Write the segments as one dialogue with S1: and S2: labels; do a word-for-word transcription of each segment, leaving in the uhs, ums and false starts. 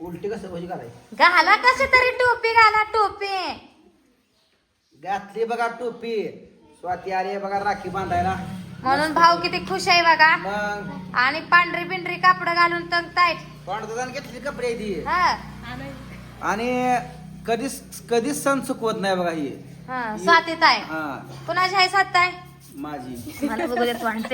S1: उलटी कसं कशी घालायची
S2: घाला कशी तरी टोपी घाला टोपी
S1: घातली बघा टोपी स्वाती आली बघा राखी बांधायला
S2: म्हणून भाऊ किती खुश आहे बघा
S1: मग
S2: आणि पांढरी पिंढरी कापड घालून तंगतायत
S1: पांढरदान घेतली कपडे ती
S2: हा
S1: आणि कधीच कधीच सण चुकवत नाही बघा ही
S2: हा स्वातीत आहे
S1: हा
S2: कुणाची आहे सात आहे
S1: माझी
S2: मला बघू देत वाटते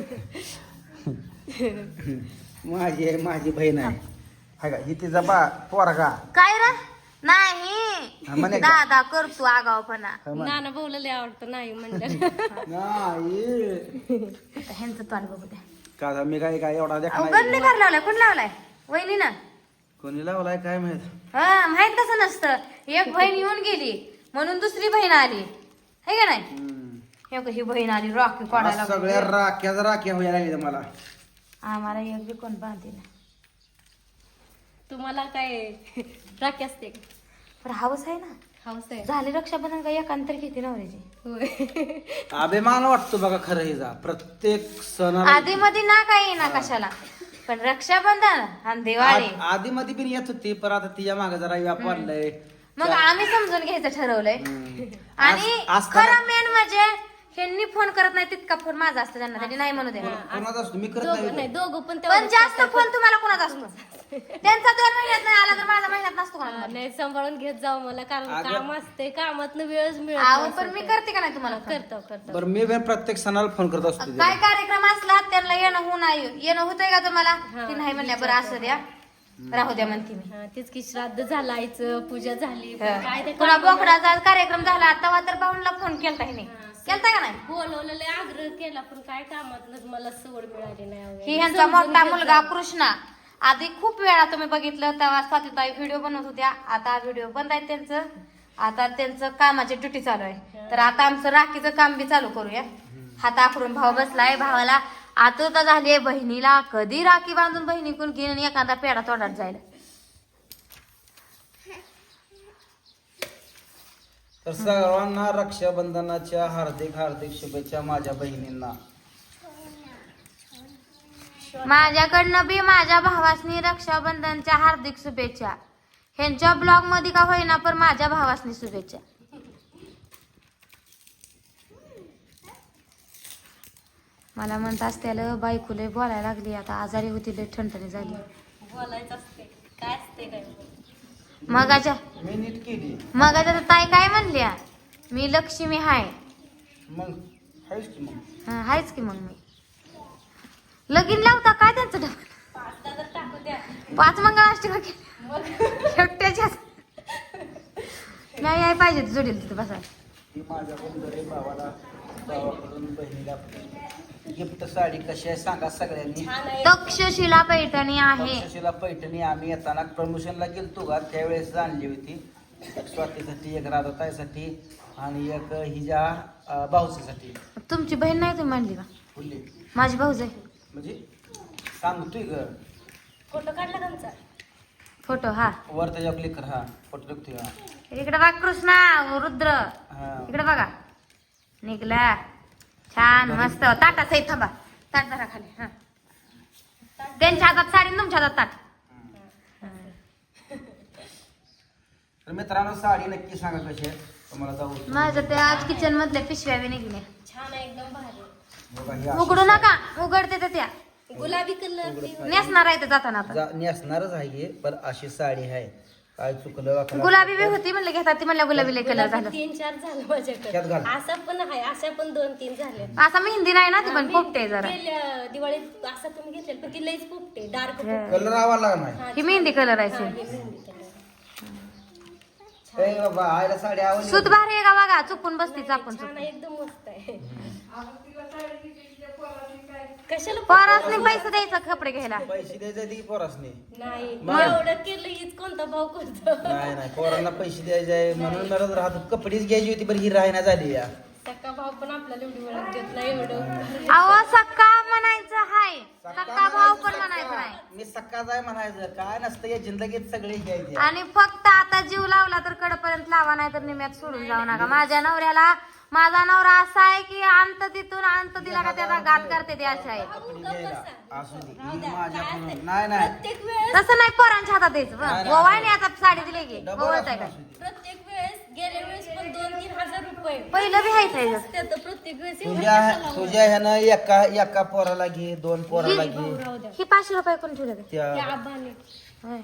S1: माझी आहे माझी बहीण आहे हाय का ही तिचा बा पोरगा
S2: काय रे
S1: हा,
S2: नाही
S1: म्हणे का?
S2: दादा करतो आगावपणा
S1: हा, म्हण.
S3: नाना भाऊला लय आवडतं नाही म्हणलं
S1: नाही
S2: आता ह्यांचं तोंड बघू द्या
S1: का मी काय काय एवढा देखा नाही.
S2: गंदे घर लावलाय कोण लावलाय वहिनी ना
S1: कोणी लावलाय काय माहित
S2: हा माहित कसं नसतं एक बहीण येऊन गेली म्हणून दुसरी बहीण आली है का नाही
S1: हम्म.
S2: हे बघ, ही बहीण आली रॉकी काढायला
S1: आज सगळ्या राख्याच राख्या व्हायला लागल्या मला
S2: आम्हाला एक बी कोण बांधते ना
S3: तुम्हाला काय राखी असते का?
S2: पण हाऊस आहे ना
S3: हाऊस आहे
S2: झाली रक्षाबंधन का एकांतर घेते नवऱ्याची
S3: होय
S1: अभिमान वाटतो बघा खरं हिचा प्रत्येक सणाला
S2: आधी मध्ये ना काही ना कशाला पण रक्षाबंधन आणि दिवाळी
S1: आधी मध्ये पण येत होती पण आता तिच्या मागे जरा व्याप वाढलाय
S2: मग आम्ही समजून घ्यायचं ठरवलंय
S1: हम्म.
S2: आणि
S1: आज- असताना-
S2: खरं मेन म्हणजे ह्यांनी फोन करत नाही तितका फोन माझा असतो त्यांना त्यांनी नाही म्हणू दे
S1: कोणाचा असतो मी करत
S3: दोघं नाही
S1: नाही
S3: दोघं पण
S2: पण
S3: तेवढंच
S2: जास्त
S3: करतात.
S2: फोन तुम्हाला कोणाचा असतो त्यांचा दोन महिन्यात नाही आला तर माझा महिन्यात नसतो
S3: हा,
S2: कोणाला
S3: नाही सांभाळून घेत जाऊ मला कारण
S1: अगं-
S3: काम असते कामात वेळच मिळत
S2: अहो
S3: नाही
S2: पण मी
S3: सध्या.
S2: करते का नाही तुम्हाला phone?
S3: करतो करतो
S1: बरं मी पण प्रत्येक सणाला फोन करत असतो तिला.
S2: काय कार्यक्रम असला त्यांना येणं होऊन नाही येणं होतंय का तुम्हाला ती नाही म्हणल्या बरं असं द्या राहू द्या म्हणते मी
S3: हा, तेच की श्राद्ध झालं आईचं पूजा झाली पण काय ते
S2: पुन्हा
S3: कामाला-
S2: बोकडाचा कार्यक्रम झाला तेव्हा तर भाऊनला फोन केलता हिने केलता का नाही
S3: बोलवलं लय आग्रह केला पण काय कामात मला सवड मिळाली नाही अहो.
S2: ही ह्यांचा मोठा मुलगा कृष्णा आधी खूप वेळा तुम्ही बघितलं तेव्हा स्वातीताई व्हिडिओ बनवत होत्या आता व्हिडिओ बंद आहे त्यांचं आता त्यांचं कामाची ड्युटी चालू आहे तर आता आमचं राखीचं काम बी चालू करूया हात आखडून भाव बसलाय भावाला आतुरता झाली आहे बहिणीला कधी राखी बांधून बहिणीकडून घेऊन आणि एखादा पेढा तोंडात जायला
S1: तर सर्वांना रक्षाबंधनाच्या हार्दिक हार्दिक शुभेच्छा माझ्या बहिणींना
S2: माझ्याकडनं बी माझ्या भावासनी रक्षाबंधनच्या हार्दिक शुभेच्छा ह्यांच्या ब्लॉग मध्ये का होईना पण माझ्या भावासनी शुभेच्छा मला म्हणत असत्याला बायकोले बोलायला लागली आता आजारी होती लय ठणठणी झाली
S3: बोलायचं असते काय असते काय
S2: मगाच्या
S1: मी नीट केली
S2: मगाच्या तर ताई काय म्हणल्या मी लक्ष्मी हाय
S1: मग आहेस की मग
S2: हा हायच की मग मी लगीन लावता काय त्यांचं डबल
S3: पाचदा तर टाकू द्या
S2: पाच मंगळाष्टका केली एकट्याच्या नाही याय पाहिजे जोडील तिथं बसा
S1: ही माझ्याकडून गरीब भावाला भावाकडून बहिणीला गिफ्ट साडी कशी आहे सांगा सगळ्यांनी
S3: छान आहे
S2: तक्षशिला पैठणी आहे
S1: तक्षशिला पैठणी आम्ही येताना प्रमोशनला गेलतो का त्यावेळेस आणली होती एक स्वातीसाठी एक राधाताईसाठी आणि एक हिच्या अं, भाऊजीसाठी
S2: तुमची बहीण नाही तुम्ही म्हणली का
S1: फुल्ली
S2: माझी भाऊज आहे
S1: म्हणजे सांगतोय ग
S3: फोटो काढला का आमचा
S2: फोटो हा
S1: वर त्याच्यावर क्लिक कर हा फोटो टाकतोय हा
S2: इकडे बघा कृष्णा रुद्र
S1: हा
S2: इकडे बघा निघला छान मस्त ताटाच आहे थांबा ताट धरा खाली हा त्यांच्या हातात साडी आणि तुमच्या हातात ताट
S1: तर मित्रांनो साडी नक्की सांगा कशी आहे तुम्हाला जाऊ
S2: माझं ते आज किचन मधल्या पिशव्या बी निघल्या
S3: छान आहे एकदम भारी
S1: बघा ही अशी
S2: उघडू नका उघडते तर त्या
S3: गुलाबी कलर
S2: नेसणार आहे ते जाताना आता
S1: जा- नेसणारच आहे हे, पण अशी साडी आहे काय चुकलं वाकलं
S2: गुलाबी बी होती म्हणलं घेतात ती म्हणल्या गुलाबी लय कलर झालं
S3: तीन चार झालं
S1: त्यात
S3: माझ्याकडे
S1: घाल.
S3: असा पण आहे अशा पण दोन तीन झाले
S2: असा मेहंदी नाही ना ती पण पोपटे जरा
S3: गेल्या दिवाळीत असा तुम्ही घेतलेला पण ती लईच पोपटे डार्क
S1: कलर आवाज लागला नाही
S2: ही मेहंदी कलर आहे सेम.
S1: ए बाबा आईला साडी आवडली
S2: सूत भारी आहे का बघा चुकून बसती चापून
S3: छान
S2: चुकून
S3: आहे, एकदम मस्त आहे कशाला
S2: परसने पैसे द्यायचं कपडे घ्यायला
S1: पैसे द्यायचे ती पोरासने
S3: नाही एवढं केलं हीच कोणता भाव करतो
S1: नाही नाही पोरांना पैसे द्यायचे आहे म्हणून मला राहतो कपडेच घ्यायची होती पण ही राहण्या झाली या
S3: सक्का भाव पण आपल्याला एवढी वेळात देत नाही एवढं
S2: अहो सक्का म्हणायचं हाय सक्का भाव पण म्हणायचं नाही
S1: मी सकाळ आहे म्हणायचं काय नसतं या जिंदगीत सगळे घ्यायचे
S2: आणि फक्त आता जीव लावला तर कडपर्यंत लावा नाही तर निम्यात सोडून जाऊ नका माझ्या नवऱ्याला माझा नवरा असा आहे की अंत तिथून अंत दिला का त्याचा घात करते ते असे आहे.
S1: कपडे घ्यायला असू दे ही माझ्याकडून नाही नाही
S3: प्रत्येक वेळेस
S2: तसं नाही पोरांच्या हातात द्यायचं
S1: नाही, नाही,
S2: गोवाने आता साडी दिली की
S1: डबल
S2: गोवळत आहे
S1: असू
S2: का
S1: दे.
S3: प्रत्येक वेळेस गेल्या वेळेस पण दोन तीन हजार रुपये
S2: पहिलं बी हायचं आहे.
S3: त्यात प्रत्येक वेळेस एवढं
S1: तुझ्या
S3: कशाला हो?
S1: तुझ्या ह्यानं एका एका पोराला घे दोन पोराला घे
S3: राहू द्या
S2: ही पाचशे रुपये कोण ठेवले
S1: त्या
S3: त्या आबाने
S2: होय.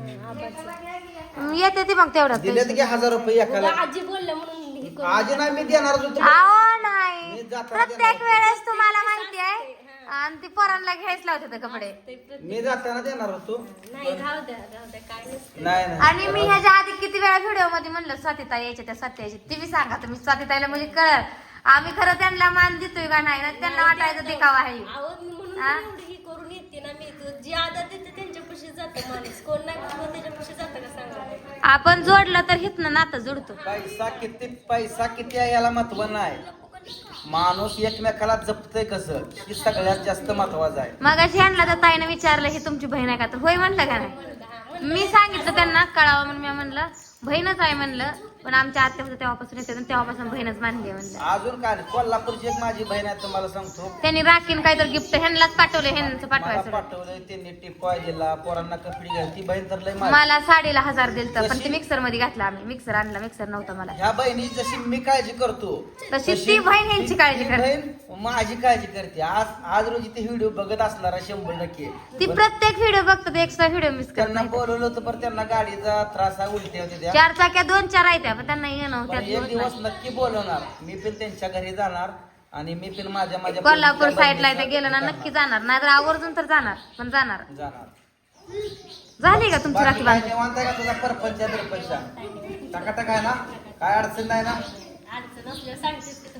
S3: आबाचं
S2: येते ती मग तेवढं
S1: दिलेत की हजार रुपये एकाला
S3: आजी बोलल्या म्हणून हे करू.
S1: आज नाही मी देणार होतो
S2: अहो नाही
S1: मी जाताना
S2: प्रत्येक वेळेस तुम्हाला माहिती आहे आणि ती पोरांना घ्यायच लावते ते कपडे
S3: ते प्रत्येक-
S1: मी जाताना देणार होतो
S3: नाही राहू द्या राहू द्या काय नसतं.
S1: नाही नाही
S2: आणि मी ह्याच्या आधी किती वेळा व्हिडिओ मध्ये म्हणलं स्वातीताई यायच्या त्या सत्याची ती बी सांगा तुम्ही स्वातीताईला म्हणजे कळल आम्ही खरं त्यांना मान देतोय का नाही ना त्यांना वाटायचं दिखावा आहे
S3: आहो मी म्हणून
S2: हा?
S3: एवढी ही करून येते ना मी तू जी आदत देते त्यांच्यापाशी जातं माणूस कोण नाही कोण त्याच्यापाशी जातं का सांगा
S2: आपण जोडलं तर हितनं नातं जोडतो
S1: पैसा किती पैसा किती आहे याला महत्व नाही माणूस एकमेकाला जपतय कसं ही सगळ्यात जास्त महत्वाचं आहे
S2: मग अशी आणला तर ताईनं विचारलं ही तुमची बहीण आहे का तर होय म्हणलं का नाही मी सांगितलं त्यांना कळावं म्हणून मी म्हणलं बहीणच आहे म्हणलं पण आमच्या आत्या होत्या तेव्हापासून येते आणि तेव्हापासून बहीणच मानली आहे म्हणलं
S1: अजून काय नाही. कोल्हापूरची एक माझी बहीण आहे तुम्हाला सांगतो
S2: त्यांनी राखीन काहीतरी गिफ्ट ह्यांनाच पाठवले ह्यांचं
S1: मला
S2: पाठवायचं
S1: पाठवलंय त्यांनी टिपॉय दिला पोरांना कपडे घ्यायला ती बहीण तर लय माझी.
S2: मला साडीला हजार दिलत पण
S1: कशी?
S2: ते मिक्सर मध्ये घातलं आम्ही मिक्सर आणला मिक्सर नव्हता मला
S1: ह्या बहिणी जशी मी काळजी करतो
S2: तशी ती बहीण ह्यांची काळजी
S1: ती
S2: करते.
S1: बहीण माझी काळजी करते आज आज रोजी ते व्हिडिओ बघत असणार आहे शंभर टक्के
S2: ती
S1: पण
S2: प्रत्येक व्हिडिओ बघतो एक्स्ट्रा व्हिडिओ मिस करत
S1: त्यांना
S2: नाही
S1: बोलवलं होतं पण त्यांना गाडीचा त्रास आहे उलट्या होत्या त्या
S2: चार चाक्या दोन चार आहेत त्या, पण त्यांना येणं
S1: पण
S2: त्यात
S1: एक
S2: दिवस
S1: दिवस
S2: नाही.
S1: नक्की बोलवणार मी पण त्यांच्या घरी जाणार आणि मी पण माझ्या माझ्या
S2: कोल्हापूर
S1: बहिणीच्या
S2: साईडला इथे गेलं ना
S1: बहिणीचं
S2: नक्की जाणार नाहीतर आवर्जून तर जाणार पण जाणार
S1: जाणार
S2: झाली का तुमची
S1: बाकी
S2: राखी
S1: काय
S2: बांधून
S1: निवांत आहे का तुझा परपंच बिरपंच टकाटक आहे ना काय अडचण नाही ना
S3: अडचण असल्यावर सांगतेच की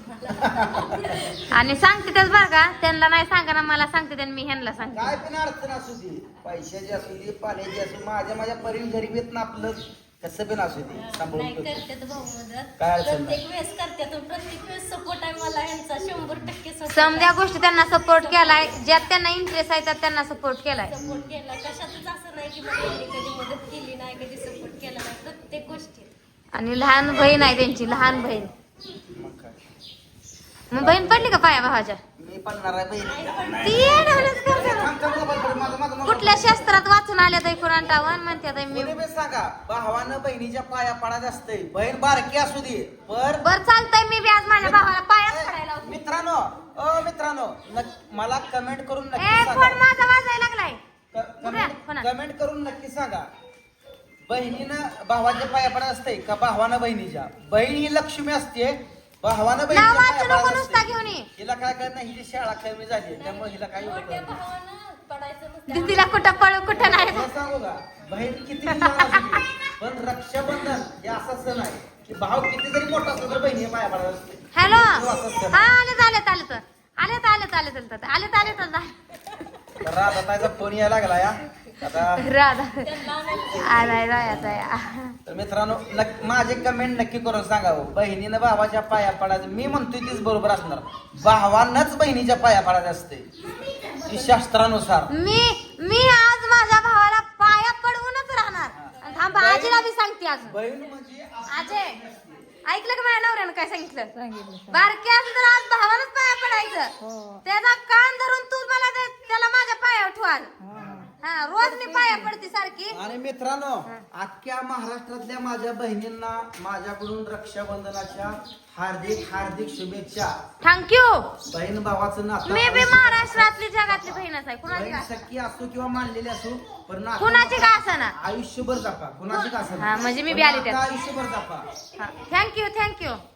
S3: तुम्हाला
S2: आणि सांगते त्याच बरं का त्यांना नाही सांगा ना मला सांगते आणि मी ह्यांना सांगते
S1: काय पण अडचण असू दे पैशाची असू दे पाण्याची असू दे, माझ्या माझ्या परीन गरीब येत ना आपलं कसं पण असू दे सांभाळून
S3: नाही
S1: ठेवतो.
S3: करते भाऊ मदत
S1: काय अडचण नाही.
S3: प्रत्येक वेळेस करते तो प्रत्येक वेळेस सपोर्ट आहे मला यांचा शंभर टक्के
S2: समध्या गोष्टी त्यांना सपोर्ट केलाय ज्यात त्यांना इंटरेस्ट आहे त्यात त्यांना सपोर्ट केलाय
S3: सपोर्ट केला कशातच असं नाही की मला यांनी कधी मदत केली नाही कधी सपोर्ट केला नाही प्रत्येक गोष्टी
S2: आणि लहान बहीण आहे त्यांची लहान बहीण
S1: मग काय
S2: मग बहीण पडली का पाया भावाच्या
S1: मी पडणार आहे बहीण
S2: ती येड्यावानीच करते.
S1: थांब, थांब, मोबाईल पड, माझा- माझा मोबाईल.
S2: कुठल्या शास्त्रात वाचून आल्या तर एकूण अंटावन म्हणते मी
S1: कोणी बी सांगा भावानं बहिणीच्या पाया पडायचं असतंय बहीण बारकी असू दे पर
S2: बर चालतंय मी बी आज माझ्या भावाला पायाच पडायला लावते.
S1: मित्रांनो अ मित्रांनो नक- मला कमेंट करून
S2: ए
S1: नक्की
S2: फोन
S1: सांगा
S2: माझा वाजायला लागलाय
S1: क-
S2: उद्या,
S1: कमेंट
S2: फोना.
S1: कमेंट करून नक्की सांगा बहिणीनं भावाच्या पाया पडत असते का भावानं बहिणीच्या बहीण ही लक्ष्मी असते भावानं
S2: नाव
S1: बहिणीच्या
S2: वाचू
S1: पाया
S2: नको
S1: पडत
S2: नुसता
S1: असते
S2: घेऊन ये
S1: हिला काय कळत नाही हिची शाळा कमी झाली त्यामुळे हिला काही एवढं
S3: मोठ्या
S1: कळत नाही.
S3: भावानं पडायचं नसतं
S2: दिदीला कुठं पळू कुठं नाही
S1: मला सांगू का बहीण किती लहान असू दे, पण रक्षाबंधन हे असा सण आहे की भाऊ किती जरी मोठा असला तर बहिणी पाया पडत असते
S2: हॅलो
S1: तो असाच सण
S2: हा
S1: आहे.
S2: आलेत आलेत आलेत आलेत आलेत आलेत आलेत आलेत आलेत आलेत
S1: तर राधाताईचा फोन यायला लागला या आता
S2: राधा
S3: त्यांना आणायचं.
S2: आलाय रायाचा या
S1: तर मित्रांनो नक- माझे कमेंट नक्की करून सांगावं बहिणीनं भावाच्या पाया पडायचं मी म्हणतोय तीच बरोबर असणार भावानंच बहिणीच्या पाया पडायचं असते ती शास्त्रानुसार
S2: मी मी आज माझ्या भावाला पाया पडवूनच राहणार आणि थांबा आजीला बी सांगते अजून
S1: बहीण म्हणजे असं
S2: अजय ऐकलं का माझ्या नवऱ्यानं काय सांगितलं बारकी असं तर आज भावालाच पाया पडायचं त्याचा कान धरून तू मला ते- त्याला माझ्या पायावर ठेवाल हा रोज मी पाया पडते सारखी
S1: आणि मित्रांनो अख्ख्या महाराष्ट्रातल्या माझ्या बहिणींना माझ्याकडून रक्षाबंधनाच्या हार्दिक हार्दिक शुभेच्छा
S2: थँक्यू
S1: बहीण भावाचं नातं
S2: मी बी महाराष्ट्रातली जगातली बहीणच आहे कुणाची
S1: बहीण
S2: का
S1: सख्खी असो किंवा मानलेली असो पण नातं
S2: कुणाची का असना
S1: आयुष्यभर जपा कुणाची का असो
S2: हा, म्हणजे मी बी
S1: पण
S2: आले त्यात.
S1: नातं आयुष्यभर जपा
S2: थँक्यू थँक्यू